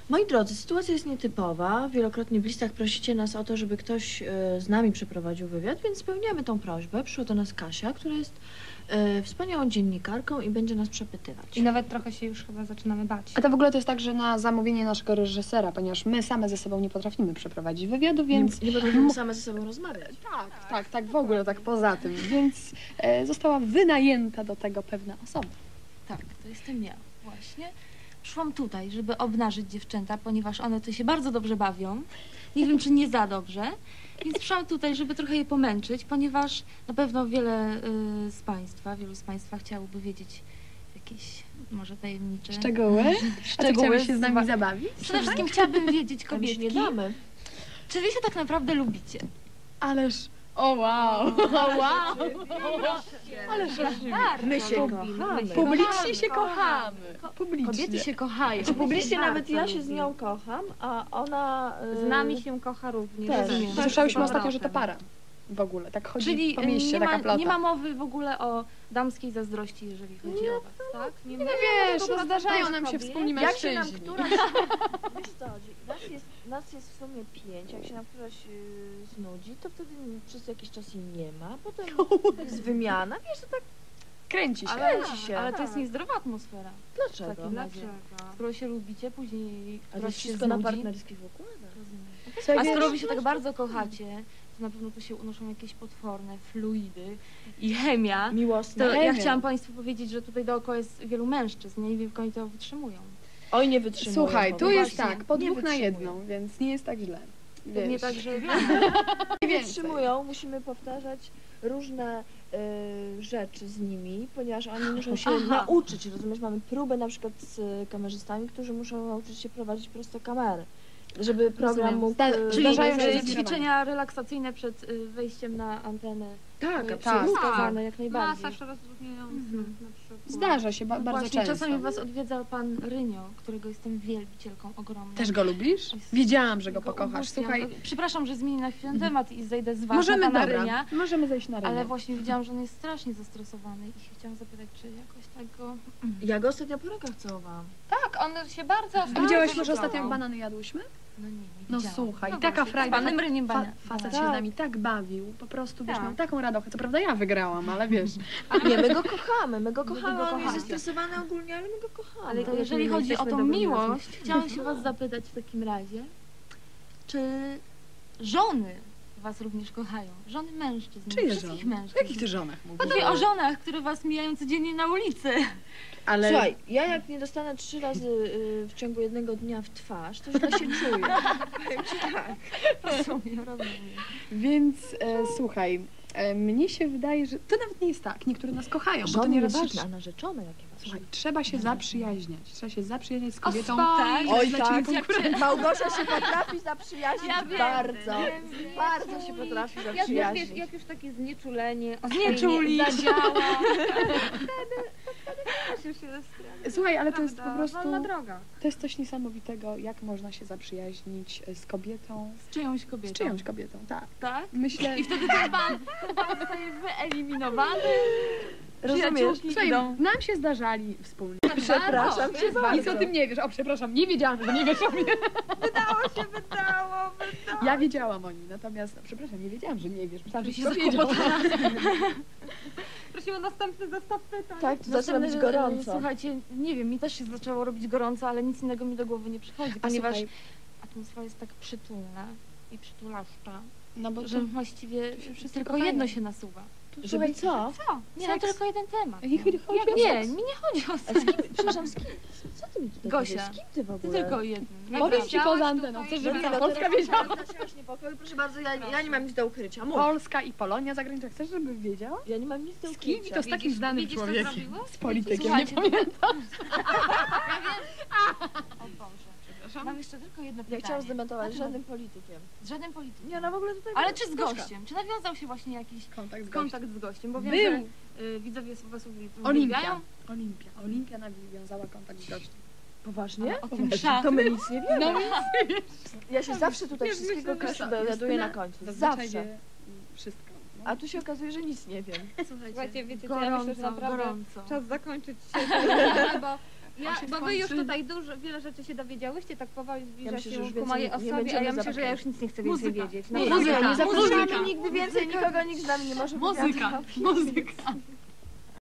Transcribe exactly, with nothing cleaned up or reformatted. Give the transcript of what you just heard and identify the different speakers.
Speaker 1: Moi drodzy, sytuacja jest nietypowa. Wielokrotnie w listach prosicie nas o to, żeby ktoś e, z nami przeprowadził wywiad, więc spełniamy tą prośbę. Przyszła do nas Kasia, która jest e, wspaniałą dziennikarką i będzie nas przepytywać.
Speaker 2: I nawet trochę się już chyba zaczynamy bać.
Speaker 3: A to w ogóle to jest tak, że na zamówienie naszego reżysera, ponieważ my same ze sobą nie potrafimy przeprowadzić wywiadu, więc...
Speaker 1: Nie, nie potrafimy same ze sobą rozmawiać.
Speaker 3: Tak, tak, tak, w ogóle tak poza tym, więc e, została wynajęta do tego pewna osoba.
Speaker 2: Tak, to jestem ja właśnie. Przyszłam tutaj, żeby obnażyć dziewczęta, ponieważ one tu się bardzo dobrze bawią. Nie wiem, czy nie za dobrze. Więc przyszłam tutaj, żeby trochę je pomęczyć, ponieważ na pewno wiele y, z Państwa, wielu z Państwa chciałoby wiedzieć jakieś może tajemnicze
Speaker 3: Szczegóły? A ty chciałeś się z nami zabawić?
Speaker 2: Przede wszystkim chciałabym wiedzieć,
Speaker 1: Tam się nie
Speaker 2: kobietki,
Speaker 1: damy.
Speaker 2: czy wy się tak naprawdę lubicie?
Speaker 3: Ależ... O wow! O wow! Ależ
Speaker 1: My się kochamy.
Speaker 3: publicznie się kochamy. Publicznie.
Speaker 2: Kobiety się kochają.
Speaker 1: Czy publicznie
Speaker 2: Bardzo
Speaker 1: nawet ja się z
Speaker 2: lubię.
Speaker 1: nią kocham, a ona... e,
Speaker 2: Z nami się kocha również.
Speaker 1: Też.
Speaker 2: Rozumiem.
Speaker 3: Słyszałyśmy
Speaker 2: Z
Speaker 3: ostatnio, że to
Speaker 2: powrotem.
Speaker 3: para. W ogóle, tak chodzi
Speaker 2: Czyli
Speaker 3: po mieście,
Speaker 2: nie,
Speaker 3: taka
Speaker 2: ma,
Speaker 3: plota.
Speaker 2: nie ma mowy w ogóle o damskiej zazdrości, jeżeli chodzi o was, tak? Nie ma.
Speaker 3: No wiesz, no zdarzają nam się wspólni
Speaker 1: Jak się nam
Speaker 3: mężczyźni.
Speaker 1: któraś... Wiesz co chodzi? Nas jest, nas jest w sumie pięć. Jak się nam któraś y, znudzi, to wtedy przez jakiś czas jej nie ma. Potem jest wymiana. Wiesz, to tak
Speaker 3: Kręci się.
Speaker 2: Ale,
Speaker 1: Kręci się.
Speaker 2: ale to jest niezdrowa atmosfera. W
Speaker 1: dlaczego?
Speaker 2: takim razie. Skoro się lubicie, później
Speaker 1: A to
Speaker 2: któraś
Speaker 1: jest
Speaker 2: się
Speaker 1: wszystko na
Speaker 2: znudzi.
Speaker 1: partnerskich układach.
Speaker 2: Rozumiem.
Speaker 3: Słuchaj,
Speaker 2: A
Speaker 3: wiesz,
Speaker 2: skoro wy się tak bardzo kochacie, to na pewno tu się unoszą jakieś potworne fluidy i chemia.
Speaker 1: Miłosne.
Speaker 2: To ja
Speaker 3: chemia.
Speaker 2: chciałam Państwu powiedzieć, że tutaj dookoła jest wielu mężczyzn, nie? I wiem, jak oni to wytrzymują.
Speaker 1: Oj, nie wytrzymuję.
Speaker 3: Słuchaj, tu
Speaker 1: powiem.
Speaker 3: jest
Speaker 2: właśnie,
Speaker 3: tak, po
Speaker 1: nie
Speaker 3: dwóch na
Speaker 1: wytrzymuję.
Speaker 3: jedną, więc nie jest tak źle.
Speaker 2: Pewnie
Speaker 3: Wiesz.
Speaker 2: tak, że
Speaker 1: Nie
Speaker 3: więcej.
Speaker 1: wytrzymują, musimy powtarzać różne y, rzeczy z nimi, ponieważ oni muszą się
Speaker 2: Aha.
Speaker 1: nauczyć, rozumiesz? Mamy próbę na przykład z kamerzystami, którzy muszą nauczyć się prowadzić proste kamery, żeby program
Speaker 2: Rozumiem.
Speaker 1: mógł...
Speaker 3: Zda-
Speaker 1: y,
Speaker 2: Czyli
Speaker 3: Zdarzają się
Speaker 2: y,
Speaker 3: zdecydowanie.
Speaker 2: ćwiczenia relaksacyjne przed y, wejściem na antenę.
Speaker 1: Tak,
Speaker 2: y,
Speaker 1: absolutnie.
Speaker 2: są
Speaker 3: tak.
Speaker 1: Wskazane jak najbardziej.
Speaker 4: Masaż rozluźniający
Speaker 2: Mhm.
Speaker 4: na przykład.
Speaker 3: Zdarza się ba
Speaker 2: No
Speaker 3: bardzo
Speaker 2: właśnie,
Speaker 3: często.
Speaker 2: czasami was odwiedza pan Rynio, którego jestem wielbicielką ogromną.
Speaker 3: Też go lubisz?
Speaker 2: Jest-
Speaker 3: Wiedziałam, że go
Speaker 2: Go
Speaker 3: pokochasz.
Speaker 2: ubóstwiam.
Speaker 3: Słuchaj,
Speaker 2: Przepraszam, że zmienię na chwilę temat i zejdę z was
Speaker 3: możemy,
Speaker 2: na pana
Speaker 3: dobra,
Speaker 2: Rynia,
Speaker 3: możemy zejść na rynek.
Speaker 2: ale właśnie widziałam, że on jest strasznie zestresowany i się chciałam zapytać, czy jakoś tak go...
Speaker 1: Ja go ostatnio po rękach całowałam.
Speaker 4: Tak, on się bardzo...
Speaker 3: A widziałaś
Speaker 4: bardzo
Speaker 3: może ostatnio, jak
Speaker 4: żałował.
Speaker 3: banany jadłyśmy?
Speaker 2: No nie, nie
Speaker 3: No
Speaker 2: widziałam.
Speaker 3: słuchaj,
Speaker 2: No
Speaker 3: taka
Speaker 2: właśnie,
Speaker 3: frajda.
Speaker 2: Z panem Ryniem
Speaker 3: Fa
Speaker 2: bania.
Speaker 3: facet się
Speaker 1: Tak.
Speaker 3: z nami tak bawił, po prostu wiesz,
Speaker 2: Tak.
Speaker 3: miał taką radochę. Co prawda ja wygrałam, ale wiesz.
Speaker 1: Nie, my go kochamy, my go
Speaker 2: Wy go
Speaker 1: kochamy, on jest
Speaker 2: kochacie.
Speaker 1: zestresowany ogólnie, ale my go kochamy.
Speaker 2: Ale to
Speaker 1: My
Speaker 2: jeżeli
Speaker 1: nie
Speaker 2: chodzi o
Speaker 1: jesteśmy
Speaker 2: tą
Speaker 1: dobrymi
Speaker 2: miłość, chciałam się was zapytać w takim razie, czy żony was również kochają? Żony mężczyzn,
Speaker 3: Czyje
Speaker 2: wszystkich
Speaker 3: żony? O
Speaker 2: mężczyzn.
Speaker 3: jakich ty żonach mówisz?
Speaker 2: Mówię o żonach, które was mijają codziennie na ulicy.
Speaker 3: Ale
Speaker 1: Słuchaj, ja jak nie dostanę trzy razy y, w ciągu jednego dnia w twarz, to źle się czuję. Powiem ci tak.
Speaker 2: Rozumiem, rozumiem.
Speaker 3: Więc e, słuchaj, e, mnie się wydaje, że to nawet nie jest tak. Niektóre nas kochają, bo to
Speaker 1: Żony
Speaker 3: nie
Speaker 1: nieważne,
Speaker 3: ważne.
Speaker 1: a narzeczone jakie ważne.
Speaker 3: Słuchaj, trzeba się zaprzyjaźniać. Trzeba się zaprzyjaźniać z kobietą.
Speaker 4: tak?
Speaker 3: która
Speaker 1: Oj,
Speaker 3: jest dla
Speaker 1: tak.
Speaker 3: ciebie konkurentem.
Speaker 1: Małgosia się potrafi zaprzyjaźnić
Speaker 4: Ja wiem,
Speaker 1: bardzo.
Speaker 4: wiem, wiem.
Speaker 1: Bardzo się potrafi
Speaker 4: Jak już,
Speaker 1: zaprzyjaźnić.
Speaker 4: wiesz, jak już takie znieczulenie
Speaker 2: Znieczuli.
Speaker 4: nie zadziała, też już jest
Speaker 3: Słuchaj, ale to jest po
Speaker 4: prawda,
Speaker 3: prostu,
Speaker 4: wolna droga.
Speaker 3: to jest coś niesamowitego, jak można się zaprzyjaźnić z kobietą,
Speaker 2: Z czyjąś kobietą.
Speaker 3: z czyjąś kobietą, tak.
Speaker 2: Tak?
Speaker 3: Myślę,
Speaker 2: I wtedy ten pan, ten pan zostaje wyeliminowany.
Speaker 1: Rozumiesz?
Speaker 2: Przyjaciółki
Speaker 3: słuchaj,
Speaker 2: idą.
Speaker 3: nam się zdarzali wspólnie.
Speaker 1: Przepraszam cię
Speaker 3: Nic o
Speaker 1: bardzo.
Speaker 3: tym nie wiesz. O, przepraszam, nie wiedziałam, że nie wiesz o mnie.
Speaker 4: Wydało się, wydało, wydało.
Speaker 3: Ja wiedziałam o nim, natomiast, no, przepraszam, nie wiedziałam, że nie wiesz. Myślałam, że
Speaker 2: Się
Speaker 3: się powiedział.
Speaker 4: Prosimy o następny zestaw pytań.
Speaker 1: Tak, to zaczyna być
Speaker 2: Następny,
Speaker 1: gorąco.
Speaker 2: Słuchajcie, nie wiem, mi też się zaczęło robić gorąco, ale nic innego mi do głowy nie przychodzi,
Speaker 3: A
Speaker 2: ponieważ
Speaker 3: słuchaj,
Speaker 2: atmosfera jest tak przytulna i przytulaszcza,
Speaker 3: no bo
Speaker 2: że
Speaker 3: to,
Speaker 2: właściwie
Speaker 3: wszyscy
Speaker 2: tylko
Speaker 3: kochają.
Speaker 2: jedno się nasuwa.
Speaker 1: Żeby
Speaker 3: słuchaj,
Speaker 1: co?
Speaker 2: Co? Nie, no
Speaker 3: Seks.
Speaker 2: tylko jeden temat.
Speaker 3: Nie chodzi o
Speaker 2: Jak
Speaker 3: seks.
Speaker 2: nie, mi nie chodzi o
Speaker 1: A z
Speaker 2: seks.
Speaker 1: kim, przepraszam, z kim? Co ty mi tutaj
Speaker 2: Gosia.
Speaker 1: powiesz? Z kim ty w ogóle?
Speaker 2: Tylko jeden.
Speaker 3: Powiem ci
Speaker 4: Chciałaś
Speaker 3: poza
Speaker 4: tutaj,
Speaker 3: anteną, chcesz, żeby
Speaker 4: żeby-
Speaker 3: cała
Speaker 1: no
Speaker 3: Polska
Speaker 1: teraz
Speaker 3: wiedziała?
Speaker 1: zaczęłaś niepokój. Proszę bardzo, ja, ja nie mam nic do ukrycia. Mów.
Speaker 3: Polska i Polonia zagraniczna, chcesz, żeby wiedziała?
Speaker 1: Ja nie mam nic do
Speaker 3: Z kim? I
Speaker 1: ukrycia.
Speaker 3: to z takim znanym
Speaker 4: widzisz, co
Speaker 3: człowiekiem.
Speaker 4: zrobiłeś?
Speaker 3: Z politykiem, nie
Speaker 2: Słuchajcie,
Speaker 3: pamiętam.
Speaker 2: O Boże. Mam jeszcze tylko jedno pytanie.
Speaker 1: Ja chciałam zdementować
Speaker 2: Na
Speaker 1: z
Speaker 2: temat-
Speaker 1: żadnym politykiem.
Speaker 2: Z żadnym politykiem.
Speaker 1: Nie, no w ogóle tutaj...
Speaker 2: Ale czy z
Speaker 1: Gośka.
Speaker 2: gościem? Czy nawiązał się właśnie jakiś
Speaker 3: Kontakt z gościem.
Speaker 2: kontakt z gościem? Bo wiem,
Speaker 3: Był.
Speaker 2: że y, widzowie was uwielbiają.
Speaker 3: Olimpia. Olimpia. Olimpia nawiązała kontakt z gościem.
Speaker 1: Poważnie?
Speaker 2: O tym
Speaker 1: To
Speaker 2: szafie.
Speaker 1: my nic nie wiemy.
Speaker 3: No
Speaker 1: Ja się zawsze tutaj
Speaker 3: Nie,
Speaker 1: wszystkiego
Speaker 3: myślę, że
Speaker 1: Kasiu
Speaker 3: to jest
Speaker 1: dowiaduję
Speaker 3: na-
Speaker 1: na końcu.
Speaker 3: Zazwyczaj
Speaker 1: Zawsze.
Speaker 3: wie wszystko. No.
Speaker 1: A tu się okazuje, że nic nie wiem.
Speaker 2: Słuchajcie,
Speaker 4: Słuchajcie, wiecie co, ja
Speaker 2: gorąco,
Speaker 4: myślę, że naprawdę
Speaker 2: gorąco.
Speaker 4: czas zakończyć dzisiaj, bo Ja,
Speaker 3: się
Speaker 4: bo wy już
Speaker 3: skończy.
Speaker 4: tutaj dużo, wiele rzeczy się dowiedziałyście, tak powoli zbliża
Speaker 1: myślę, że
Speaker 4: się
Speaker 1: już
Speaker 4: ku
Speaker 1: więcej
Speaker 4: mojej
Speaker 1: nie
Speaker 4: osobie, a
Speaker 1: będziemy
Speaker 4: ja myślę, że ja
Speaker 1: zapraszać.
Speaker 4: już nic nie chcę więcej
Speaker 3: Muzyka.
Speaker 4: wiedzieć.
Speaker 3: Nie,
Speaker 1: Muzyka, nie
Speaker 3: Muzyka.
Speaker 1: zapraszamy
Speaker 3: Muzyka.
Speaker 1: nigdy więcej nikogo, nikt z nami nie może
Speaker 3: Muzyka,
Speaker 1: wywiadu robić.
Speaker 3: muzyka.